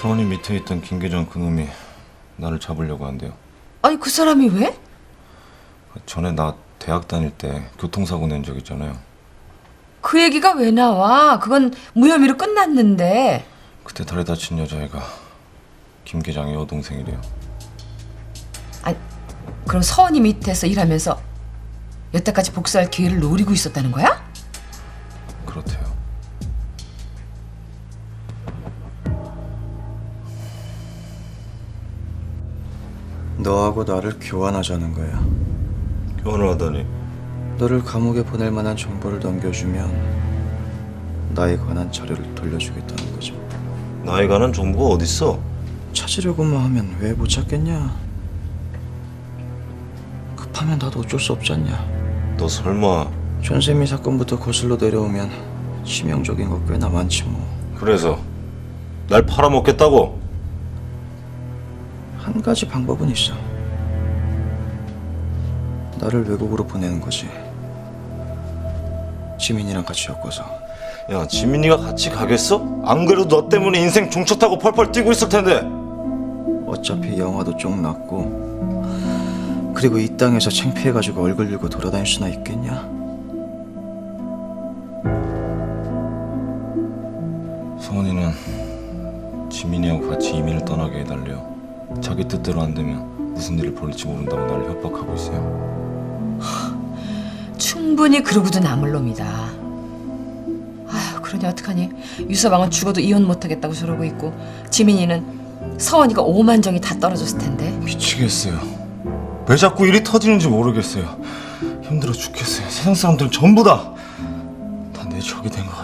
서원이 밑에 있던 김계정 그놈이 나를 잡으려고 한대요. 아니 그 사람이 왜? 전에 나 대학 다닐 때 교통사고 낸 적 있잖아요. 그 얘기가 왜 나와? 그건 무혐의로 끝났는데. 그때 다리 다친 여자애가 김 계장의 여동생이래요. 아니 그럼 서원이 밑에서 일하면서 여태까지 복수할 기회를 노리고 있었다는 거야? 그렇대요. 너하고 나를 교환하자는 거야. 교환을 하다니. 너를 감옥에 보낼 만한 정보를 넘겨주면 나에 관한 자료를 돌려주겠다는 거죠. 나에 관한 정보가 어딨어? 찾으려고만 하면 왜 못 찾겠냐? 급하면 나도 어쩔 수 없지 않냐? 너 설마 전세미 사건부터 거슬러 내려오면 치명적인 거 꽤나 많지 뭐. 그래서 날 팔아먹겠다고? 한 가지 방법은 있어. 나를 외국으로 보내는 거지. 지민이랑 같이 엮어서. 야, 지민이가 같이 가겠어? 안 그래도 너 때문에 인생 종초 타고 펄펄 뛰고 있을 텐데. 어차피 영화도 쪽 났고, 그리고 이 땅에서 창피해가지고 얼굴 들고 돌아다닐 수나 있겠냐? 서원이는 지민이하고 같이 이민을 떠나게 해달래요. 자기 뜻대로 안 되면 무슨 일을 벌일지 모른다고 나를 협박하고 있어요. 충분히 그러고도 남을 놈이다. 아휴 그러니 어떡하니? 유서방은 죽어도 이혼 못하겠다고 저러고 있고 지민이는 서원이가 오만정이 다 떨어졌을 텐데. 미치겠어요. 왜 자꾸 일이 터지는지 모르겠어요. 힘들어 죽겠어요. 세상 사람들은 전부 다 내 적이 된 것 같아요.